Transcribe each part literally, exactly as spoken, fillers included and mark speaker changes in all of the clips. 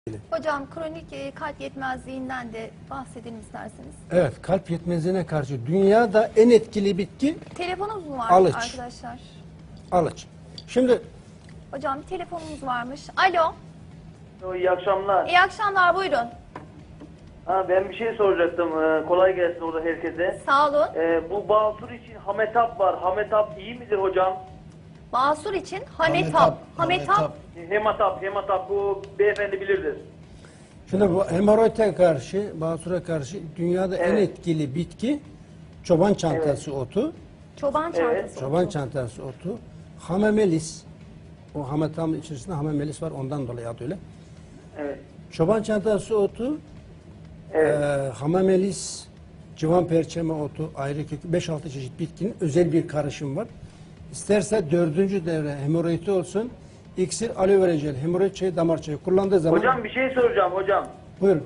Speaker 1: Hocam kronik e, kalp yetmezliğinden de bahsedelim isterseniz.
Speaker 2: Evet, kalp yetmezliğine karşı dünyada en etkili bitki
Speaker 1: Telefonumuz mu var
Speaker 2: alıç.
Speaker 1: arkadaşlar?
Speaker 2: Alıç. Şimdi
Speaker 1: Hocam bir telefonumuz varmış. Alo.
Speaker 3: İyi akşamlar.
Speaker 1: İyi akşamlar, buyurun.
Speaker 3: Ha, ben bir şey soracaktım. Ee, kolay gelsin orada herkese.
Speaker 1: Sağ olun.
Speaker 3: Ee, bu Basur için Hametap var. Hametap iyi midir hocam?
Speaker 1: Basur için Hametap.
Speaker 4: Hametap,
Speaker 1: Hametap.
Speaker 4: Hametap.
Speaker 3: Hematap, hematap bu beyefendi bilirdir.
Speaker 2: şimdi bu hemoroide karşı, basura karşı dünyada en
Speaker 3: Evet.
Speaker 2: etkili bitki çoban çantası otu.
Speaker 1: Çoban çantası.
Speaker 2: Çoban
Speaker 1: otu.
Speaker 2: çantası otu. Hamamelis. O hametamın içerisinde hamamelis var, ondan dolayı adı öyle.
Speaker 3: Evet.
Speaker 2: Çoban çantası otu,
Speaker 3: Evet.
Speaker 2: e, hamamelis, civan perçeme otu, ayrı kök, beş altı çeşit bitkinin özel bir karışım var. İsterse dördüncü devre hemoroidi olsun, iksir, aloe vera jel, hemoroid çayı, damar çayı kullandığı zaman...
Speaker 3: Hocam bir şey soracağım hocam.
Speaker 2: Buyurun.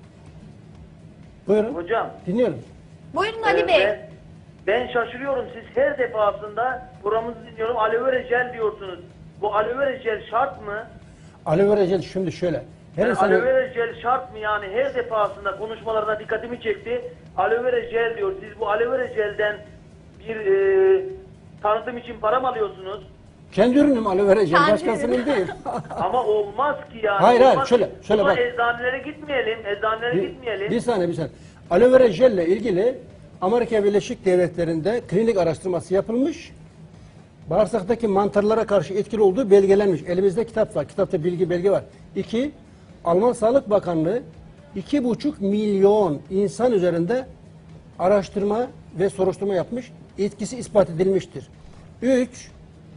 Speaker 2: Buyurun.
Speaker 3: Hocam.
Speaker 2: Dinliyorum.
Speaker 1: Buyurun Ali
Speaker 3: e,
Speaker 1: Bey.
Speaker 3: Ben, ben şaşırıyorum. Siz her defasında programınızı dinliyorum. Aloe vera jel diyorsunuz. Bu aloe vera jel şart mı?
Speaker 2: Aloe vera jel şimdi şöyle. Her
Speaker 3: Yani
Speaker 2: insan...
Speaker 3: aloe vera jel şart mı yani? Her defasında konuşmalarına dikkatimi çekti. Aloe vera jel diyor. Siz bu aloe vera jelden bir e, tanıtım için para mı alıyorsunuz?
Speaker 2: Kendi ürünüm aloe vera jel,
Speaker 1: Kendi
Speaker 2: başkasının
Speaker 1: ürünü.
Speaker 2: değil.
Speaker 3: Ama olmaz ki yani.
Speaker 2: Hayır, hayır,
Speaker 3: Olmaz
Speaker 2: şöyle,
Speaker 3: ki.
Speaker 2: şöyle
Speaker 3: O zaman
Speaker 2: bak.
Speaker 3: eczanelere gitmeyelim. Eczanelere
Speaker 2: bir,
Speaker 3: gitmeyelim.
Speaker 2: bir saniye, bir saniye. Aloe vera jelle ilgili Amerika Birleşik Devletleri'nde klinik araştırması yapılmış. Bağırsaktaki mantarlara karşı etkili olduğu belgelenmiş. Elimizde kitap var. Kitapta bilgi belge var. İki, Alman Sağlık Bakanlığı iki buçuk milyon insan üzerinde araştırma ve soruşturma yapmış. Etkisi ispat edilmiştir. Üç,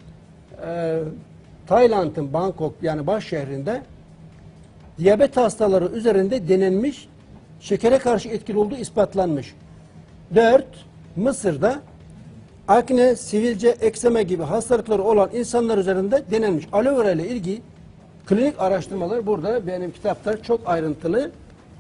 Speaker 2: e, Tayland'ın Bangkok yani baş şehrinde diyabet hastaları üzerinde denenmiş, şekere karşı etkili olduğu ispatlanmış. Dört, Mısır'da akne, sivilce, ekseme gibi hastalıkları olan insanlar üzerinde denenmiş. Aloe vera ile ilgili klinik araştırmalar burada benim kitapta çok ayrıntılı.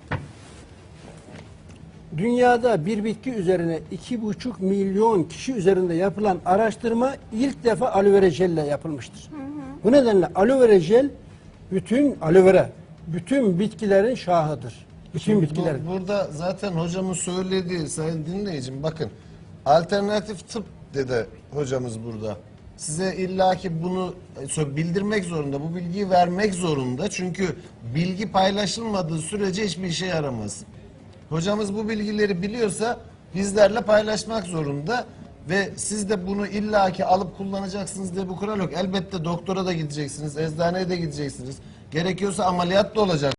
Speaker 2: Dünyada bir bitki üzerine iki buçuk milyon kişi üzerinde yapılan araştırma ilk defa aloe vera jel ile yapılmıştır. Hı hı. Bu nedenle aloe vera jel bütün aloe vera bütün bitkilerin şahıdır. Bütün
Speaker 4: Şimdi
Speaker 2: bitkilerin.
Speaker 4: bu- burada zaten hocamın söylediği, sayın dinleyicim, bakın alternatif tıp dedi hocamız burada. Size illaki bunu e, bildirmek zorunda, bu bilgiyi vermek zorunda. Çünkü bilgi paylaşılmadığı sürece hiçbir işe yaramaz. Hocamız bu bilgileri biliyorsa bizlerle paylaşmak zorunda ve siz de bunu illaki alıp kullanacaksınız diye bu kural yok. Elbette doktora da gideceksiniz, eczaneye de gideceksiniz. Gerekiyorsa ameliyat da olacak.